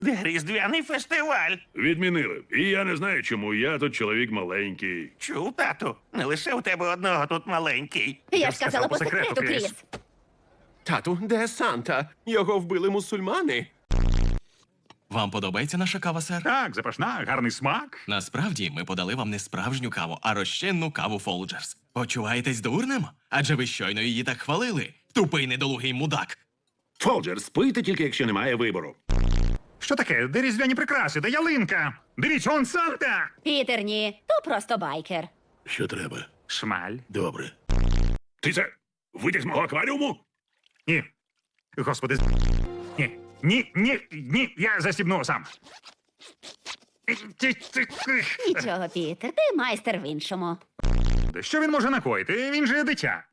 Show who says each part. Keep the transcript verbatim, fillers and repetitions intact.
Speaker 1: Де різдвяний фестиваль?
Speaker 2: Відмінили. І я не знаю, чому я тут чоловік маленький.
Speaker 1: Чув, тату? Не лише у тебе одного тут маленький.
Speaker 3: Я ж казала по секрету, Кріс.
Speaker 4: Тату, де Санта? Його вбили мусульмани.
Speaker 5: Вам подобається наша кава, сер?
Speaker 6: Так, запашна, гарний смак.
Speaker 5: Насправді, ми подали вам не справжню каву, а розчинну каву Folgers. Почуваєтесь дурним? Адже ви щойно її так хвалили. Тупий недолугий мудак.
Speaker 2: Фолджер, спийте тільки, якщо немає вибору.
Speaker 6: Що таке? Де різдвяні прикраси? Де ялинка? Дивіться, он Санта!
Speaker 3: Пітер, ні, то просто байкер.
Speaker 2: Що треба?
Speaker 6: Шмаль.
Speaker 2: Добре. Ти це витяг з мого акваріуму?
Speaker 6: Ні. Господи, з- ні. Ні, ні, ні, я застібну сам.
Speaker 3: Нічого, Пітер, ти майстер в іншому.
Speaker 6: Що він може накоїти? Він же дитя.